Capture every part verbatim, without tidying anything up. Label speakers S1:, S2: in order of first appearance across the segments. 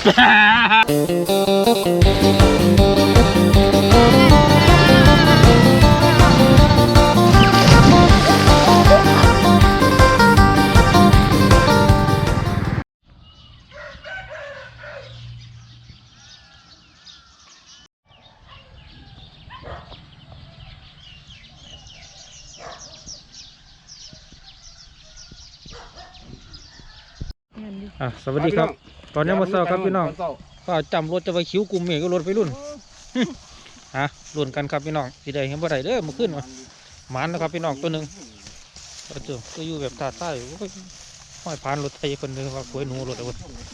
S1: อ่ะสวัสดีครับตอนนี้มาเซาครับพี่น้องก็จำรถจะไปคิ้วกลุ่มเมฆก็รถไปรุ่นฮะรุ่นกันครับพี่น้องสีแดงเห็นบ่ได้เด้อมาขึ้นมาหมันนะครับพี่น้องตัวหนึ่งก็เจอก็อยู่แบบตาใต้ห้อยผ่านรถไทยคนหนึ่งว่าป่วยหนูรถเอาไว้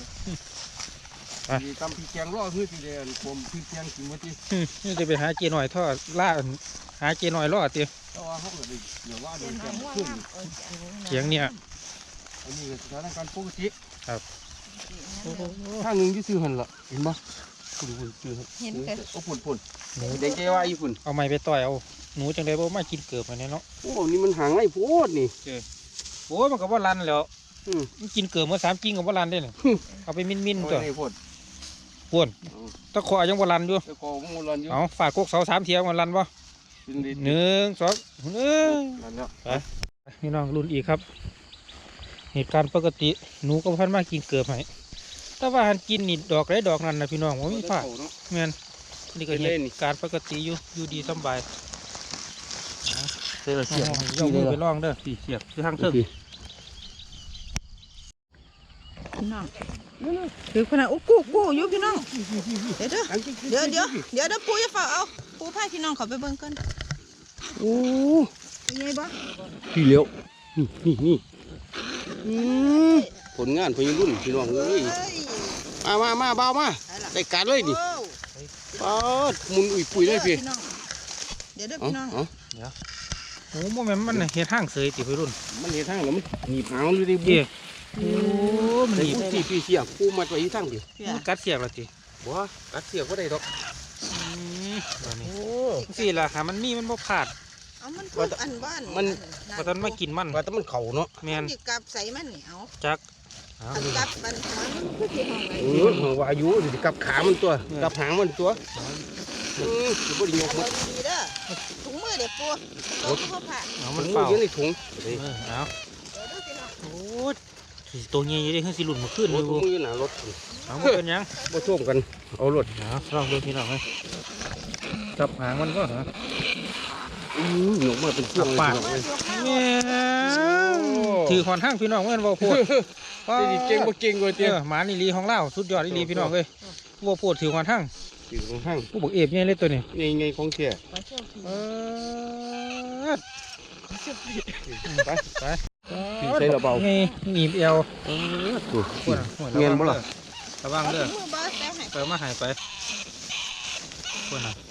S2: ตำพี่แกงรอคือสีแดงผมพี่แกงกินมาที่
S1: นี่จะไปหาเจหน่อยทอดล่าหาเจหน่อยรอดเตี้ย
S2: เดี๋ยวว่าโดนแกงขึ้น
S1: เสียงเนี่ย
S2: อันนี้สถานการณ์ปกติ
S1: ครับ
S2: ข้างหนึ่งที่ซื้อหันละเห็นปะคุณคุณซื้อเห็นเลยโอ้ปุ่นปุ่นหนูเด็กแกว่าอีปุ่น
S1: เอาไม้ไปต่อยเอาหนูจังได้บ่มากินเกือบมาเนี่ยเนาะ
S2: โอ้นี่มันหางไอ้โพดนี่
S1: โอ้ยมันก็ว่ารันแล้วมันกินเกือบเมื่อสามกิ้งกับว่ารันได้เนี่ยเอาไปมิ้นมิ้นตัวปวนตะขอยังว่ารันอยู่
S2: ตะขอมันรันอยู่
S1: เอาฝากกกเสาสามเทียมมันรันปะหนึ่งสองหนึ่งไปพี่น้องรุ่นอีกครับเหตุการณ์ปกติหนูก็พันมากินเกือบไหมแต่ว่าหันกินนี่ดอกไรดอกนั่นนะพี่น้องว่ามีฝาแมนนี่ก็เหตุการณ์ปกติอยู่อยู่ดีสบาย
S2: เสียบเสียบ
S1: ยกมือไปล่องเด้อสี่เสียบคือทางเทิง
S3: พี่น้องคือขนาดโอ้กู้กู้อยู่พี่น้องเดี๋ยวเดี๋ยวเดี๋ยวเดี๋ยวเดี๋ยวปูจะฝากเอาปูพาพี่น้องเขาไปเบิ่งกัน
S2: โอ้
S3: เป็นไงบ้าง
S2: พี่เลี้ยวนี่นี่ผลงานพยรุ่นพี่น้องเลยมามามาเบามาได้การเลยดิปอดมุนอุ่ยปุ๋ยเลยพี่
S3: เดี๋ยวเดี๋ยวพี่น้อง
S1: เดี๋ยวโอ้โหมันมันเห็ดห้างเสยติพี่รุ่น
S2: มันเห็ดห้างแล้วมันหนีบหางเลยดิเบี้ย
S1: โอ้มันหนีบ
S2: ที่พี่เสียกูมาตัวอีทั้งดิ
S1: มันกัดเสียกแล้วติ
S2: บ่กัดเสียก็ได้ดอก
S1: โอ้สี่ละค่ะมันมีมันบ่ขาด
S3: เอามันพูดอันบ้าน
S2: มัน
S1: ว่าตอนมากินมัน
S2: ว่าตอนมันเข่าเนาะ
S1: แม่น
S3: กับใส่มันเหนียว
S1: จัก
S3: กับมันมันคือที่ห้องไหน
S2: เออหัวอายุกับขามันตัวกับหางมันตัวอือจะบ่ได้ยกมัน
S3: ดีเด้อถุงมือเด็กปูตัวพ่อผ่า
S1: เอามันเปล่า
S2: อยู่ในถุง
S1: เอาโอ้ตัวเงี้ยยังได้ขึ้นสิหลุดมาขึ้นเลย
S2: ถุงมือหนารถ
S1: เอามันเป็นยัง
S2: บ่ท่วมกันเอารถ
S1: เอาลองดูพี่น้องเลยจับหางมันก็เหรอ
S2: อือหนูมาเป็นเครื่อง
S1: ปากถือขอนห้างพี่น้องเมื่อวันพูด
S2: เก่งบ่เก่งเลยเตี้ย
S1: หมานี่ลีของเล่าสุดยอดลีพี่น้องเลยวัวพูดถือขอนห้าง
S2: ถือขอนห้าง
S1: ผู้บอกเอฟเนี่ยเล่นตัวนี้
S2: ไงไงของเที่ยไปไปใส่ระเบิด
S1: ไงหนีบเอว
S2: เงี้ยบ่ล่ะ
S1: ระวังเด้อเปิดมาหายไปคนน่ะ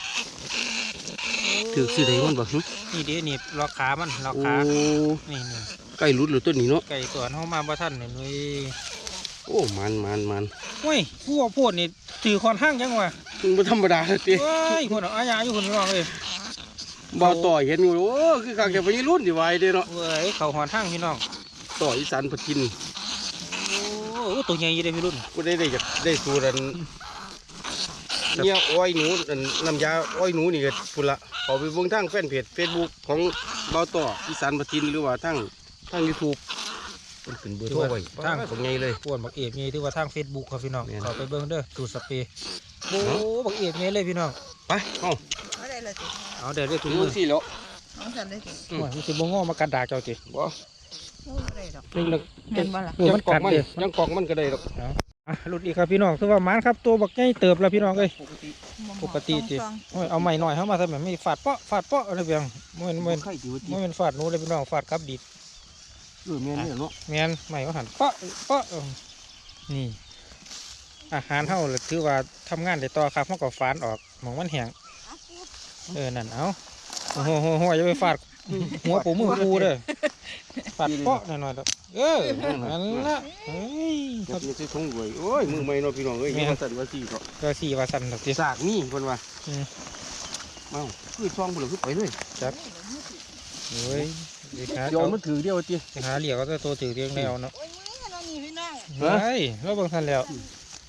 S2: ถือสิได้มันบ่
S1: นี่เดี๋ยวนี่ล็อกขามันล็อกขานี่นี่
S2: ไก่รุดหรือตัวนี้เนาะ
S1: ไก่ตัวเขามาบ่ท่านนี่
S2: โอ้มันมันมัน
S1: เฮ้ยผู้ว่าพูดนี่ถือคอนห้างยังวะ
S2: มันไม่ธรรมดาเลยตี
S1: เฮ้ยคนอาญาอยู่คนร้องเลย
S2: บ่าวต่อยเห็นอยู่โอ้คือการจะไปรุ่นดีไว้เด้เนาะ
S1: เฮ้ยเขาหอนห้างพี่น้อง
S2: ต่ออีสานพัดกิน
S1: โอ้ตัวใหญ่ยี่ได้พี่รุ่น
S2: ก็ได้ได้จากได้สูรันเนี่ยอ้อยหนูน้ำยาอ้อยหนูนี่ก็พุ่นละเขาไปเบิ่งทางแฟนเพจเฟซบุ๊กของบ่าวต่ออีสานพัดกินหรือว่าทางทางยูทูบมันขึ้นเบอร์โทรไว้ทางของไงเลย
S1: ปวนบักเอฟไงที่ว่าทางเฟซบุ๊กครับพี่น้องเขาไปเบิ่งเด้อตูสเปย์โอ้บักเอฟไงเลยพี่น้อง
S2: ไปเอา
S3: เอาได้เลย
S1: เอาเดี๋ยวได้ถุงมือ
S2: สิแล้ว
S3: เอาสั่นได้สิ
S1: โอ้ยมันสิบ่งอมากัดดาเจ้าจิ
S2: บ่
S3: ได้ดอก
S1: นี่ละ
S3: เห็นบ่ล่ะ
S2: ยังกอกมันยังกอกมันก็ได้ดอก
S1: อ่ะหลุดอีกครับพี่น้องคือว่ามันครับตัวบักใหญ่เติบแล้วพี่น้องเอ้ยปกติจิโอ้ยเอาใหม่หน่อยเข้ามาทำแบบไม่ฟาดเปาะฟาดเปาะอะไรเพียงไม่เป็นไม่ไม่เป็นฟาดนู้เลยพี่น้องฟาดกับดิด
S2: เออแม่นเนี่ยเนาะ
S1: แม่นใหม่ก็หันเปาะเปาะนี่อาหารเท่าเลยถือว่าทำงานได้ต่อครับมันก็ฟานออกมองมันแห้งเออนั่นเอาโอ้โหโหอย่าไปฟาดหัวปูมือปูเลยฟาดเปาะหน่อยๆเออนั่นละเฮ้ย
S2: ครับนี่จะทงรวยโอ้ยมือใหม่เนาะพี่น้องเอ้ยว่าสั่นว่าสี่เนาะ
S1: ว่าสี่ว่าสั่นแบบที่
S2: สากนี่คนว่าเอ้าคือช่องผลคือไปเลย
S1: จับเฮ้ย
S2: ยอมมันถือเดียวตี
S1: หาเหลี่ยก็จะตัวถือเรียงแนวเนาะ
S3: โอ้ยมือเราหนีพี่น้อง
S1: เฮ้ยเราเบิ่งทันแล้ว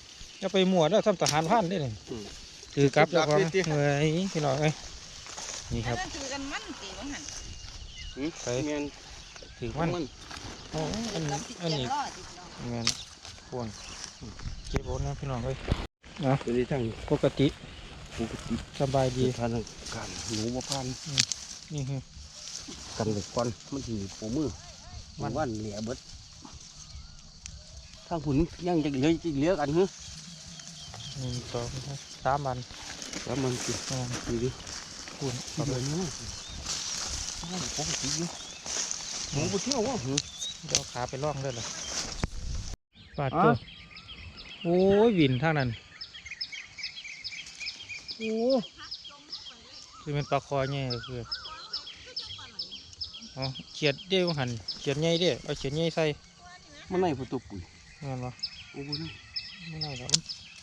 S1: จะไปมั่วแล้วทำทหารผ่านได้เลยถือกลับแล้วก็เฮ้ยพี่น้องเอ้ยนี่ครับ
S3: อันนั้นคือกันมันตีว่าหัน
S1: ไป
S2: เมียน
S1: ถือมัน
S2: มัน
S1: โอ้อันนี้
S3: กับติด
S1: อัน
S3: เกีย
S1: นี้
S3: ร์ล้อติดน้อง
S1: เงินพวงเก็บโอนนะพี่น้องเอ้ยนะ
S2: ตัวนี้ทั้ง
S1: ปกติ
S2: ปกติ
S1: สบายดี
S2: ทานการหนูบ่พัน
S1: นี่คือ
S2: กันเลยก่อนมันสิปูมือ
S1: มั
S2: มัน นว่านเหลียเบิดทางหุ่นยังจะเหลือจะเหลือกันเหรอ
S1: หนึ่งสองสามวัน
S2: แล้วมันสิ
S1: อ่า
S2: ดูดิ
S1: คูณ
S2: เอา
S1: เอา
S2: ไป
S1: ไป
S2: นี่โอ้โหปกติอยู่หนูบ่เที่ยววะหนู
S1: เดี๋ยวขาไปล่องด้วยล่ะปาด
S2: อ่ะ
S1: ตัวโอ้ยวินทางนั้น
S2: โอ้
S1: คือเป็นปลาคอใหญ่ก็คืออ๋อเขียดเด้วหันเขียดใหญ่เด้เอาเขียดใหญ่ใส่
S2: มันไหนประตูปุ๋ย
S1: เงินวะ
S2: โอ้โหนี่
S1: ไม่ได้หรอก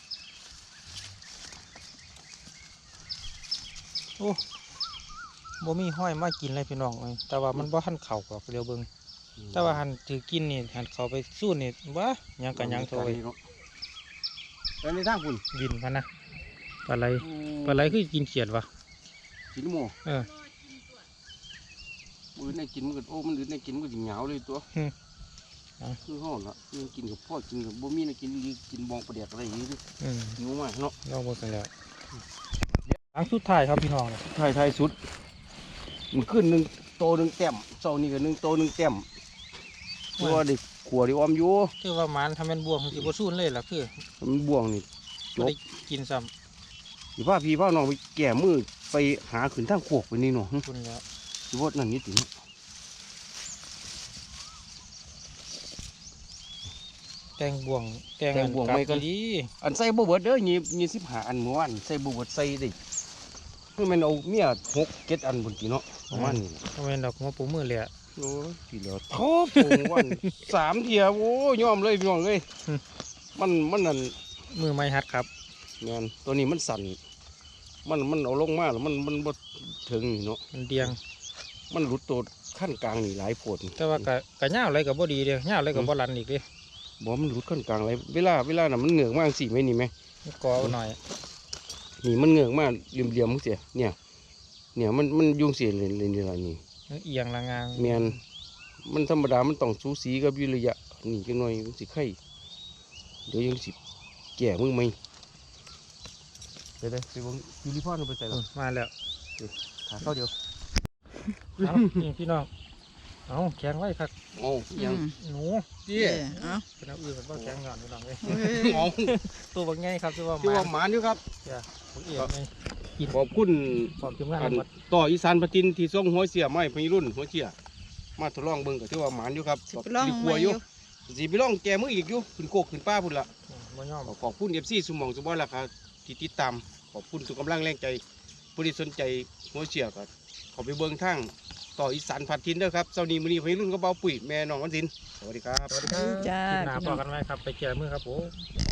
S1: โอ้บ่มีห้อยมากินเลยพี่น้องเอ้ยแต่ว่ามันบ่หันเข่าหรอกเดี๋ยวเบิ่งแต่ว่าหันถือกินนี่หันเขาไปสู้นี่วะหยังกันยังโทย
S2: ไปในทางคุณ
S1: วินพันนะปลาไหลปลาไหลคือกินเขียดวะ
S2: กินหมู
S1: เออ
S2: มือในกินมันก็โอ้มันอื่นในกินมันก็สิเหงาเลยตัว
S1: อืมเอา
S2: คือห่อละยังกินกับพ่อกินกับบ่มีในกินอีกกินบองประเดียกอะไรอย่างนี้
S1: อืม
S2: หิวมากเนาะ
S1: ลองเบิ่งกันแล้วหลังสุดท้ายครับพี่น้อง
S2: ไทยไทยสุดมันขึ้นหนึ่งโตหนึ่งแต้มเสานี่ก็หนึ่งโตหนึ่งแต้มตัวเด็กขัวดิออมอยู่
S1: คือว่ามันทำเป็นบวงสิบ่สู้เลยล่ะคือ
S2: มันบ่วงนี่
S1: บ่ได้กินซ้
S2: สิพาพี่พาน้องไปแก่มือไปหาขึ้นทางโคกไปนี่เนาะ
S1: ำคุณแล้ว
S2: สิว่านั่นนี่ติ
S1: แตงบวงแตงอันกลับดี
S2: อันใส่บ่เบิดเด้อยี่ยี่สิบห้าอันเมื่อวานใส่บ่เบิดใส่ได้คือมันเอาเมียหกเจ็ดอันบนกี่เนาะประมาณนี้
S1: ทำเป็นดอกหัวปูมือเลยอะ
S2: โอ้ยทีเดียวโทบโงวัน สามเทียโอ้ยยอมเลยพี่น้องเลยมันมันนั่น
S1: มือไม้ฮัดครับ
S2: งานตัวนี้มันสั่นมันมันเอาลงมาแล้วมันมันบ่ถึงนี่เนาะ
S1: มันเดียง
S2: มันหลุดตัวขั้นกลางนี่หลายโพด
S1: แต่ว่ากะกะย่าวอะไรกับบ่ดีเดียวย่าวอะไรกับบ่รันอีกเดิ
S2: บ่มันหลุดขั้นกลางอะไรเวลาเวลาน่ะมันเหงือกมากสิไหมนี่ไหม
S1: กอเอาหน่อย
S2: นี่มันเหงือกมากเหลี่ยมเหลี่ยมๆมึงเสียเนี่ยเนี่ยมันมันยุงเสียเลยเลยนี่ละนี่
S1: มันเอียงละงาง
S2: แมนมันธรรมดามันต้องสูสีกับวิริยะนี่จังหน่อยมันสิไข่เดี๋ยวยังสิแก่มึงไหมไปเลยไปเบิ่งยูริพอนไปใส่
S1: อื
S2: ละ
S1: มมาแล้ว
S2: ขาเข้าเดียว
S1: เอานี่พี่น้องเอาแข็งไว้ครับ
S2: โอ้ยัง
S1: หนู
S2: เจี๊
S3: เอย เอ้า
S1: เป็นเอาอื่นเป็นบ่แข็งก่อนพี่น้องเลย
S3: เฮ้ย
S2: เอา
S1: ตัวบางไงครับที่ว่า
S2: ที่
S1: มา
S2: ว่าหมานอยู่ครับ
S1: บางเอียงไง
S2: ขอบคุณ
S1: ความทีมงาน
S2: อัน
S1: หมด
S2: ต่ออีสานปฏินที่ส่งหัวเสียไม้พี่รุ่นหัวเสียมาทดลองเบิ่งก็ที่ว่าหมานอยู่ครับ
S3: สิไปลอง
S2: กลั
S3: มาว อ
S2: อยู่ ยู่สิไปลองแกมืออีกอยู่ขึ้นโคกขึ้นป้าพุ่นละ
S1: บ่ยอม
S2: ขอบคุณเอฟซีสมองสมบัติละครับที่ติดตามขอบคุณสุขกำลังแรงใจผู้ที่สนใจหัวเสียก็ขอไปเบิ่งทางต่ออีสานพัดทินเด้อครับเจ้านี้มื้อนี้พี่รุ่นก็เบาปุ๋ยแม่น้องวันสินสวัสดีครับ
S1: สวัสดีครับ
S3: จ้า
S1: คลิปหน้าพอกันไหมครับ ไปเจอมือครับผม